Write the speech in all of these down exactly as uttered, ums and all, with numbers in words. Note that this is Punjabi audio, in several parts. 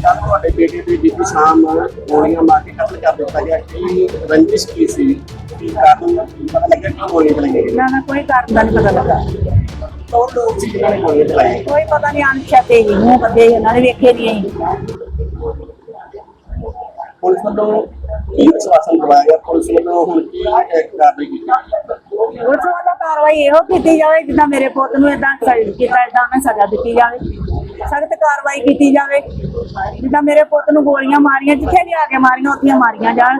ਕੱਲ੍ਹ ਤੁਹਾਡੇ ਬੇਟੇ ਦੀ ਬੀਤੀ ਸ਼ਾਮ ਗੋਲੀਆਂ ਮਾਰ ਕੇ ਕਤਲ ਕਰ ਦਿੱਤਾ ਗਿਆ। ਕੀ ਰੰਜਿਸ਼ ਕੀ ਸੀ? ਕੀ ਕਾਰਨ ਪਤਾ ਲੱਗਿਆ ਕਿ ਗੋਲੀਆਂ ਚਲਾਈਆਂ ਗਈਆਂ? ਨਾ ਨਾ ਕੋਈ ਕਾਰਨ ਦਾ ਨਹੀਂ ਪਤਾ ਲੱਗਾ। ਕੌਣ ਲੋਕ ਸੀ ਜਿਨ੍ਹਾਂ ਨੇ ਗੋਲੀਆਂ ਚਲਾਈਆਂ? ਕੋਈ ਪਤਾ ਨਹੀਂ, ਅਣਛਾਤੇ ਹੀ ਮੂੰਹ ਬੱਦੇ ਉਹਨਾਂ ਨੇ ਵੇਖੇ ਨਹੀਂ ਅਸੀਂ। ਪੁਲਿਸ ਵੱਲੋਂ ਕੀ ਆਸ਼ਵਾਸਨ ਦਵਾਇਆ ਗਿਆ? ਪੁਲਿਸ ਵੱਲੋਂ ਹੁਣ ਕੀ ਕਾਰਵਾਈ ਕੀਤੀ ਗਈ? ਪੁਲਿਸ ਵੱਲੋਂ ਕਾਰਵਾਈ ਇਹੋ ਕੀਤੀ ਜਾਵੇ ਜਿੱਦਾਂ ਮੇਰੇ ਪੁੱਤ ਨੂੰ ਏਦਾਂ ਕੀਤਾ ਏਦਾਂ ਉਹਨੇ ਸਜ਼ਾ ਦਿੱਤੀ ਜਾਵੇ, ਸਖਤ ਕਾਰਵਾਈ ਕੀਤੀ ਜਾਵੇ। ਜਿੱਦਾਂ ਮੇਰੇ ਪੁੱਤ ਨੂੰ ਗੋਲੀਆਂ ਮਾਰੀਆਂ, ਜਿੱਥੇ ਵੀ ਆ ਕੇ ਮਾਰੀਆਂ ਉੱਥੇ ਮਾਰੀਆਂ ਜਾਣ।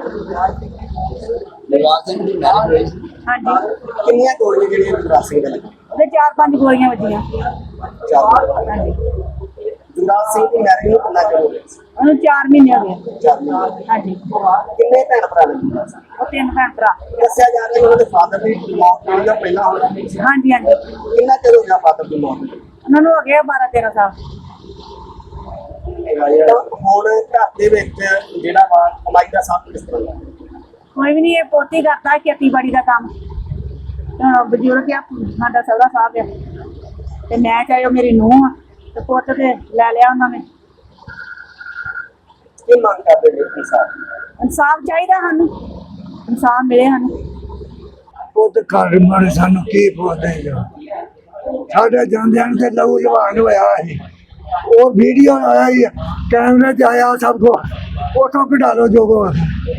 ਹਾਂਜੀ, ਕਿੰਨੀਆਂ ਗੋਲੀਆਂ ਜਿਹੜੀਆਂ ਜੁਗਰਾਜ ਸਿੰਘ ਦੇ ਲੱਗੀਆਂ? ਉਹਦੇ ਚਾਰ ਪੰਜ ਗੋਲੀਆਂ ਵੱਜੀਆਂ। ਚਾਰ। ਹਾਂਜੀ, ਜੁਗਰਾਜ ਸਿੰਘ ਦੀ ਮੈਰਿਜ ਨੂੰ ਕਿੰਨਾ ਚਿਰ ਹੋ ਗਿਆ ਸੀ? ਉਹਨੂੰ ਚਾਰ ਮਹੀਨੇ ਹੋ ਗਏ। ਚਾਰ ਮਹੀਨੇ। ਹਾਂਜੀ, ਕਿੰਨੇ ਭੈਣ ਭਰਾ ਨੇ ਜੁਗਰਾਜ ਸਿੰਘ? ਉਹ ਤਿੰਨ ਭੈਣ ਭਰਾ। ਦੱਸਿਆ ਜਾ ਰਿਹਾ ਕਿ ਉਹਨਾਂ ਦੇ ਫਾਦਰ ਦੀ ਮੌਤ ਹੋਈ ਆ ਪਹਿਲਾਂ ਹੋਈ। ਹਾਂਜੀ ਹਾਂਜੀ, ਕਿੰਨਾ ਚਿਰ ਹੋ ਗਿਆ ਫਾਦਰ ਦੀ ਮੌਤ ਨੂੰ? ਉਹਨਾਂ ਨੂੰ ਹੋ ਗਿਆ ਬਾਰਾਂ ਤੇਰਾਂ ਸਾਲ। ਤਾਂ ਹੁਣ ਘਰ ਦੇ ਵਿੱਚ ਜਿਹੜਾ ਵਾ ਕਮਾਈ ਦਾ ਸਾਧਨ ਕਿਸ ਤਰ੍ਹਾਂ ਦਾ? ਕੋਈ ਵੀ ਨਹੀਂ, ਇਹ ਪੋਤੀ ਕਰਦਾ ਖੇਤੀਬਾੜੀ ਦਾ ਕੰਮ। ਅਹ ਬਜ਼ੁਰਗ ਆ ਸਾਡਾ ਸਹੁਰਾ ਸਾਹਿਬ ਆ, ਤੇ ਮੈਂ ਚਾਹੇ ਉਹ ਮੇਰੀ ਨੂੰਹ ਆ, ਤੇ ਪੁੱਤ ਤੇ ਲੈ ਲਿਆ ਉਹਨਾਂ ਨੇ। ਕੀ ਮੰਗ ਕਰਦੇ ਨੇ ਇਨਸਾਨ? ਇਨਸਾਫ ਚਾਹੀਦਾ ਸਾਨੂੰ, ਇਨਸਾਫ ਮਿਲੇ ਸਾਨੂੰ। ਪੁੱਤ ਘਰ ਮਾਰੇ ਸਾਨੂੰ ਕੀ ਪੁੱਛਦੇ ਜੋ ਸਾਡੇ ਜਾਂਦਿਆਂ ਨੂੰ ਤੇ ਲਹੂ ਲਵਾਨ ਹੋਇਆ ਸੀ। ਉਹ ਵੀਡੀਓ ਆਇਆ ਹੀ ਕੈਮਰੇ 'ਚ ਆਇਆ ਸਭ ਕੋ, ਉਥੋਂ ਕਢਾ ਲਓ ਜੋ ਕੋ।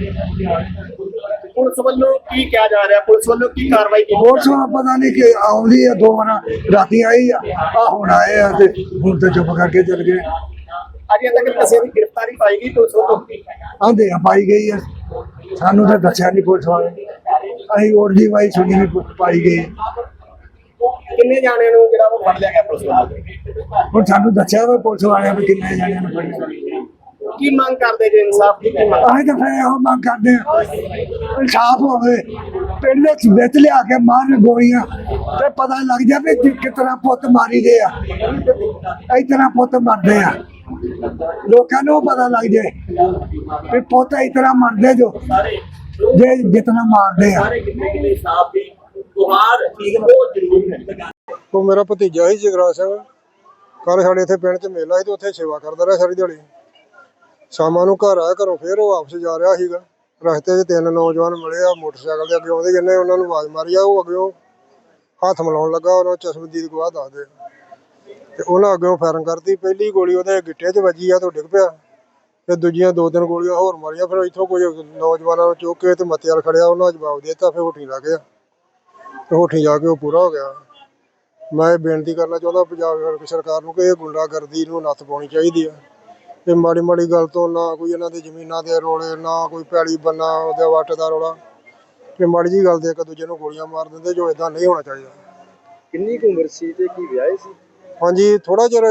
ਪੁਲਿਸ ਵੱਲੋਂ ਕੀ ਕਿਹਾ ਜਾ ਰਿਹਾ? ਪੁਲਿਸ ਵੱਲੋਂ ਕੀ ਕਾਰਵਾਈ ਕੀਤੀ? ਹੋਰ ਸੋ ਪਤਾ ਨਹੀਂ ਕਿ ਆਉਂਦੀ ਆ, ਦੋ ਵਾਰ ਰਾਤੀ ਆਈ ਆ, ਆ ਹੁਣ ਆਏ ਆ ਤੇ ਹੁਣ ਤੇ ਚੁੱਪ ਕਰਕੇ ਚਲ ਗਏ। ਅਜੇ ਤੱਕ ਕਿਸੇ ਦੀ ਗ੍ਰਿਫਤਾਰੀ ਪਾਈ ਗਈ ਪੁਲਿਸ ਵੱਲੋਂ? ਆਂਦੇ ਆ ਪਾਈ ਗਈ ਆ, ਸਾਨੂੰ ਤਾਂ ਦੱਸਿਆ ਨਹੀਂ ਪੁਲਿਸ ਵਾਲੇ। ਅਸੀਂ ਹੋਰ ਦੀ ਵਾਈ ਸੁਣੀ ਵੀ ਪਾਈ ਗਈ। ਕਿੰਨੇ ਜਾਣਿਆਂ ਨੂੰ ਜਿਹੜਾ ਉਹ ਫੜ ਲਿਆ ਗਿਆ ਪੁਲਿਸ ਵੱਲੋਂ? ਹੁਣ ਸਾਨੂੰ ਦੱਸਿਆ ਵਾ ਪੁਲਿਸ ਵਾਲਿਆਂ ਵੀ ਕਿੰਨੇ ਜਾਣਿਆਂ ਨੂੰ ਫੜਿਆ। ਕੀ ਮੰਗ ਕਰਦੇ ਜੇ? ਇਨਸਾਫ ਦੀ ਕੀ ਮੰਗ? ਅਸੀਂ ਤਾਂ ਫਿਰ ਇਹੋ ਮੰਗ ਕਰਦੇ ਹਾਂ ਇਨਸਾਫ ਹੋਵੇ। ਪਿੰਡ ਵਿੱਚ ਵਿੱਚ ਲਿਆ ਕੇ ਮਾਰਨ ਗੋਲੀਆਂ ਤੇ ਪਤਾ ਲੱਗ ਜਾਵੇ ਕਿ ਕਿਸ ਤਰ੍ਹਾਂ ਪੁੱਤ ਮਾਰੀ ਦੇ ਆ, ਇਸ ਤਰ੍ਹਾਂ ਪੁੱਤ ਮਰਦੇ ਆ। ਲੋਕਾਂ ਨੂੰ ਪਤਾ ਲੱਗ ਜਾਏ ਵੀ ਪੁੱਤ ਇਸ ਤਰ੍ਹਾਂ ਮਰਦੇ ਜੋ ਜੇ ਜਿਤਨਾ ਮਾਰਦੇ ਆ। ਇਨਸਾਫ ਦੀ ਗੁਹਾਰ ਠੀਕ ਬਹੁਤ ਜ਼ਰੂਰੀ ਹੈ। ਉਹ ਮੇਰਾ ਭਤੀਜਾ ਸੀ ਜਗਰਾਜ ਸਿੰਘ। ਕੱਲ੍ਹ ਸਾਡੇ ਇੱਥੇ ਪਿੰਡ 'ਚ ਮੇਲਾ ਸੀ ਤੇ ਉੱਥੇ ਸੇਵਾ ਕਰਦਾ ਰਿਹਾ ਸਾਰੀ ਦਿਹਾੜੀ। ਸ਼ਾਮਾਂ ਨੂੰ ਘਰ ਆਇਆ, ਘਰੋਂ ਫਿਰ ਉਹ ਵਾਪਸ ਜਾ ਰਿਹਾ ਸੀਗਾ। ਰਸਤੇ 'ਚ ਤਿੰਨ ਨੌਜਵਾਨ ਮਿਲੇ ਆ, ਮੋਟਰਸਾਈਕਲ 'ਤੇ ਅੱਗੇ ਆਉਂਦੇ ਜਿੰਨੇ ਉਹਨਾਂ ਨੂੰ ਆਵਾਜ਼ ਮਾਰੀ ਆ। ਉਹ ਅੱਗਿਓਂ ਹੱਥ ਮਿਲਾਉਣ ਲੱਗਾ, ਉਹਨਾਂ ਚਸ਼ਮਦੀਦ ਗਵਾਹ ਦੱਸਦੇ ਤੇ ਉਹਨਾਂ ਅੱਗਿਓਂ ਫਾਇਰਿੰਗ ਕਰਤੀ। ਪਹਿਲੀ ਗੋਲੀ ਉਹਦੇ ਗਿੱਟੇ 'ਚ ਵੱਜੀ ਆ ਤੇ ਉਹ ਡਿੱਗ ਪਿਆ, ਤੇ ਦੂਜੀਆਂ ਦੋ ਤਿੰਨ ਗੋਲੀਆਂ ਹੋਰ ਮਾਰੀਆਂ। ਫਿਰ ਇੱਥੋਂ ਕੁਝ ਨੌਜਵਾਨਾਂ ਨੂੰ ਚੁੱਕ ਕੇ ਤੇ ਮੱਤੇ ਵਾਲ ਖੜਿਆ, ਉਹਨਾਂ ਜਵਾਬ ਦੇ ਦਿੱਤਾ। ਫਿਰ ਹੋਠੀ ਲੱਗ ਗਿਆ ਤੇ ਹੋਠੀ ਜਾ ਕੇ ਉਹ ਪੂਰਾ ਹੋ ਗਿਆ। ਮੈਂ ਇਹ ਬੇਨਤੀ ਕਰਨਾ ਚਾਹੁੰਦਾ ਪੰਜਾਬ ਸਰਕਾਰ ਨੂੰ ਕਿ ਇਹ ਗੁੰਡਾਗਰਦੀ ਨੂੰ ਨੱਥ ਪਾਉਣੀ ਚਾਹੀਦੀ ਆ। ਤੇ ਮਾੜੀ ਮਾੜੀ ਗੱਲ ਤੋਂ ਨਾ ਕੋਈ ਇਹਨਾਂ ਦੇ ਜ਼ਮੀਨਾਂ ਦੇ ਰੋਲੇ, ਨਾ ਕੋਈ ਪੈਲੀ ਬੰਨਾ ਉਹਦੇ ਵੱਟ ਦਾ ਰੌਲਾ, ਤੇ ਮਾੜੀ ਜਿਹੀ ਗੱਲ ਤੇ ਇੱਕ ਦੂਜੇ ਨੂੰ ਗੋਲੀਆਂ ਮਾਰ ਦਿੰਦੇ, ਜੋ ਇਦਾਂ ਨਹੀਂ ਹੋਣਾ ਚਾਹੀਦਾ। ਕਿੰਨੀ ਕੁ ਉਮਰ ਸੀ ਤੇ ਕੀ ਵਿਆਹੇ ਸੀ? ਹਾਂਜੀ, ਥੋੜਾ ਚਿਰ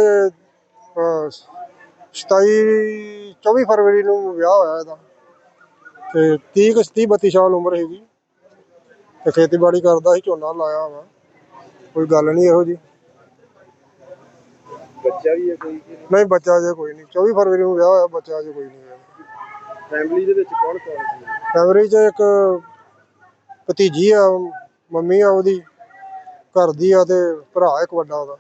ਸਤਾਈ ਚੌਵੀ ਫਰਵਰੀ ਨੂੰ ਵਿਆਹ ਹੋਇਆ ਇਹਦਾ, ਤੇ ਤੀਹ ਕੁ ਤੀਹ ਬੱਤੀ ਸਾਲ ਉਮਰ ਹੈਗੀ। ਤੇ ਖੇਤੀਬਾੜੀ ਕਰਦਾ ਸੀ, ਝੋਨਾ ਲਾਇਆ ਵਾ, ਕੋਈ ਗੱਲ ਨਹੀਂ ਇਹੋ ਜਿਹੀ। ਬੱਚਾ ਵੀ ਹੈ ਕੋਈ? ਨਹੀਂ, ਬੱਚਾ ਅਜੇ ਕੋਈ ਨਹੀਂ। ਚੌਵੀ ਫਰਵਰੀ ਨੂੰ ਵਿਆਹ ਹੋਇਆ, ਬੱਚਾ ਅਜੇ ਕੋਈ ਨਹੀਂ ਹੋਇਆ। ਫੈਮਿਲੀ ਦੇ ਵਿੱਚ ਕੌਣ ਕੌਣ ਸੀ? ਫੈਮਿਲੀ 'ਚ ਇੱਕ ਭਤੀਜੀ ਆ, ਮੰਮੀ ਆ ਉਹਦੀ ਘਰ ਦੀ ਆ, ਤੇ ਭਰਾ ਇੱਕ ਵੱਡਾ ਉਹਦਾ।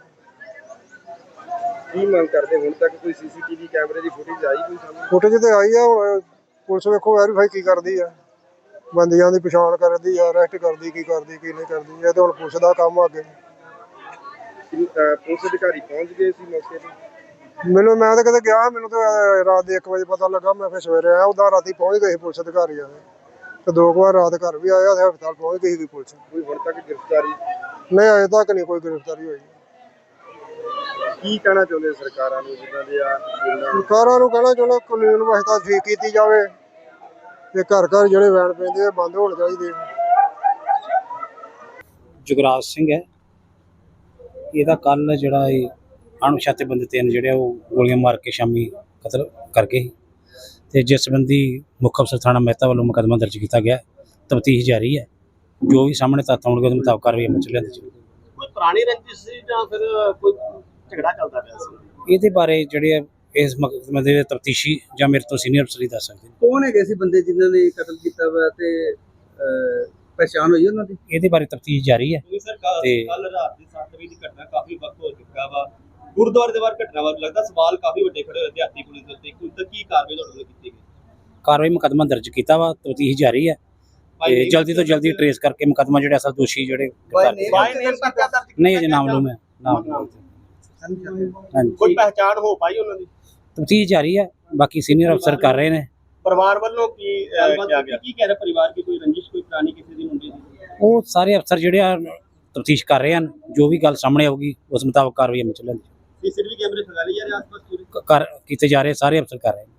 ਕੀ ਮੰਗ ਕਰਦੇ? ਹੁਣ ਤੱਕ ਕੋਈ ਸੀਸੀਟੀਵੀ ਕੈਮਰੇ ਦੀ ਫੁਟੇਜ ਆਈ ਕੋਈ ਸਾਹਮਣੇ? ਫੁਟੇਜ ਤੇ ਆਈ ਆ, ਹੁਣ ਪੁਲਿਸ ਵੇਖੋ ਵੈਰੀਫਾਈ ਕੀ ਕਰਦੀ ਆ, ਬੰਦਿਆਂ ਦੀ ਪਛਾਣ ਕਰਦੀ ਆ, ਅਰੈਸਟ ਕਰਦੀ, ਕੀ ਕਰਦੀ ਕੀ ਨਹੀਂ ਕਰਦੀ। ਇਹ ਤੇ ਹੁਣ ਪੁਲਿਸ ਦਾ ਕੰਮ ਆ ਅੱਗੇ। ਪੁਲਿਸ ਅਧਿਕਾਰੀ ਪਹੁੰਚ ਗਏ ਸੀ ਮੌਕੇ ਤੇ? ਮੈਨੂੰ ਮੈਂ ਤਾਂ ਕਦੇ ਗਿਆ, ਮੈਨੂੰ ਤਾਂ ਰਾਤ ਦੇ ਇੱਕ ਵਜੇ ਪਤਾ ਲੱਗਾ। ਮੈਂ ਫਿਰ ਸਵੇਰੇ ਆਇਆ, ਉਦਾਂ ਰਾਤੀ ਪਹੁੰਚ ਗਏ ਸੀ ਪੁਲਿਸ ਅਧਿਕਾਰੀ ਆ ਤੇ ਦੋ ਕੁ ਵਾਰ ਰਾਤ ਘਰ ਵੀ ਆਇਆ ਤੇ ਹਸਪਤਾਲ ਪਹੁੰਚ ਗਈ ਸੀ ਪੁਲਿਸ। ਕੋਈ ਹੁਣ ਤੱਕ ਗ੍ਰਿਫਤਾਰੀ? ਨਹੀਂ, ਅਜੇ ਤੱਕ ਨਹੀਂ ਕੋਈ ਗ੍ਰਿਫਤਾਰੀ ਹੋਈ। ਕੀ ਕਹਿਣਾ ਚਾਹੁੰਦੇ ਸਰਕਾਰਾਂ ਨੂੰ ਜਿੱਦਾਂ ਦੇ ਆ? ਸਰਕਾਰਾਂ ਨੂੰ ਕਹਿਣਾ ਚਾਹੁੰਦਾ ਕਾਨੂੰਨ ਵਿਵਸਥਾ ਠੀਕ ਕੀਤੀ ਜਾਵੇ ਤੇ ਘਰ ਘਰ ਜਿਹੜੇ ਵੈਨ ਪੈਂਦੇ ਆ ਬੰਦ ਹੋਣੇ ਚਾਹੀਦੇ। ਜੁਗਰਾਜ ਸਿੰਘ ਹੈ, ਇਹਦਾ ਕੱਲ ਜਿਹੜਾ ਇਹ ਅਣਪਛਾਤੇ ਬੰਦੇ ਤਿੰਨ ਜਿਹੜੇ ਉਹ ਗੋਲੀਆਂ ਮਾਰ ਕੇ ਸ਼ਾਮੀ ਕਤਲ ਕਰ ਗਏ। ਤੇ ਜਿਸ ਸੰਬੰਧੀ ਮੁੱਖ ਅਫਸਰ ਥਾਣਾ ਮਹਿਤਾ ਵੱਲੋਂ ਮੁਕੱਦਮਾ ਦਰਜ ਕੀਤਾ ਗਿਆ। ਤਫਤੀਸ਼ ਜਾਰੀ ਹੈ, ਜੋ ਵੀ ਸਾਹਮਣੇ ਤੱਥ ਆਉਣਗੇ ਉਹਦੇ ਮੁਤਾਬਕ ਕਾਰਵਾਈ ਅਮਲ 'ਚ ਲਿਆਂਦੀ ਜਾਊਗੀ। ਕੋਈ ਪੁਰਾਣੀ ਰੰਜਿਸ਼ ਸੀ ਜਾਂ ਫਿਰ ਕੋਈ ਝਗੜਾ ਚੱਲਦਾ ਪਿਆ ਸੀ? ਇਹਦੇ ਬਾਰੇ ਜਿਹੜੇ ਇਸ ਮੁਕੱਦਮੇ ਦੇ ਤਫਤੀਸ਼ੀ ਜਾਂ ਮੇਰੇ ਤੋਂ ਸੀਨੀਅਰ ਅਫਸਰ ਹੀ ਦੱਸ ਸਕਦੇ ਨੇ। ਕੌਣ ਹੈਗੇ ਸੀ ਬੰਦੇ ਜਿਨ੍ਹਾਂ ਨੇ ਕਤਲ ਕੀਤਾ ਵਾ ਤੇ ਪਛਾਣ ਹੋਈ ਉਹਨਾਂ ਦੀ? ਇਹਦੇ ਬਾਰੇ ਤਫਤੀਸ਼ ਜਾਰੀ ਹੈ। ਤੇ ਕੱਲ ਰਾਤ ਦੀ ਸੱਤ ਵਜੇ ਦੀ ਘਟਨਾ ਕਾਫੀ ਵਕਤ ਹੋ ਚੁੱਕਾ ਵਾ, ਗੁਰਦੁਆਰੇ ਦੇ ਬਾਹਰ ਘਟਨਾ ਵਾ, ਲੱਗਦਾ ਸਵਾਲ ਕਾਫੀ ਵੱਡੇ ਖੜੇ ਹੋਏ ਦਿਹਾਤੀ ਪੁਲਿਸ ਦੇ ਉੱਤੇ। ਕੋਈ ਕਾਰਵਾਈ ਤੁਹਾਡੇ ਵੱਲੋਂ ਕੀਤੀ ਗਈ? ਕਾਰਵਾਈ ਮੁਕੱਦਮਾ ਦਰਜ ਕੀਤਾ ਵਾ, ਤਫਤੀਸ਼ ਜਾਰੀ ਹੈ ਤੇ ਜਲਦੀ ਤੋਂ ਜਲਦੀ ਟਰੇਸ ਕਰਕੇ ਮੁਕੱਦਮਾ ਜਿਹੜੇ ਅਸਲ ਦੋਸ਼ੀ ਜਿਹੜੇ ਗ੍ਰਿਫਤਾਰ ਕੀਤੇ ਬਾਈ ਨੇਮ ਪਰਚਾ ਦਰਜ ਨਹੀਂ ਅਜੇ ਨਾਮਲੂਮ ਹੈ ਨਾਮ ਹਾਂਜੀ ਕੋਈ ਪਹਿਚਾਣ ਹੋ ਪਾਈ ਉਹਨਾਂ ਦੀ? ਤਫਤੀਸ਼ ਜਾਰੀ ਹੈ, ਬਾਕੀ ਸੀਨੀਅਰ ਅਫਸਰ ਕਰ ਰਹੇ ਨੇ। ਪਰਿਵਾਰ ਵੱਲੋਂ ਕੀ ਕਿਹਾ ਗਿਆ? ਕੀ ਕਹਿ ਰਿਹਾ ਪਰਿਵਾਰ ਕੀ ਕੋਈ ਰੰਜਿਸ਼ ਕੋਈ ਪੁਰਾਣੀ ਕਿਸੇ ਦੀ ਮੁੰਡੇ ਦੀ? ਉਹ ਸਾਰੇ ਅਫਸਰ ਜਿਹੜੇ ਆ ਤਫਤੀਸ਼ ਕਰ ਰਹੇ ਹਨ, ਜੋ ਵੀ ਗੱਲ ਸਾਹਮਣੇ ਆਊਗੀ ਉਸ ਮੁਤਾਬਕ ਕਾਰਵਾਈ ਅਮਲ ਚ ਲੈਂਦੇ ਸੀਸੀਟੀਵੀ ਕੈਮਰੇ ਖੰਗਾਲੇ ਜਾ ਰਹੇ ਆਸ-ਪਾਸ ਪੂਰੇ? ਕਰ ਕੀਤੇ ਜਾ ਰਹੇ ਸਾਰੇ ਅਫਸਰ ਕਰ ਰਹੇ ਨੇ।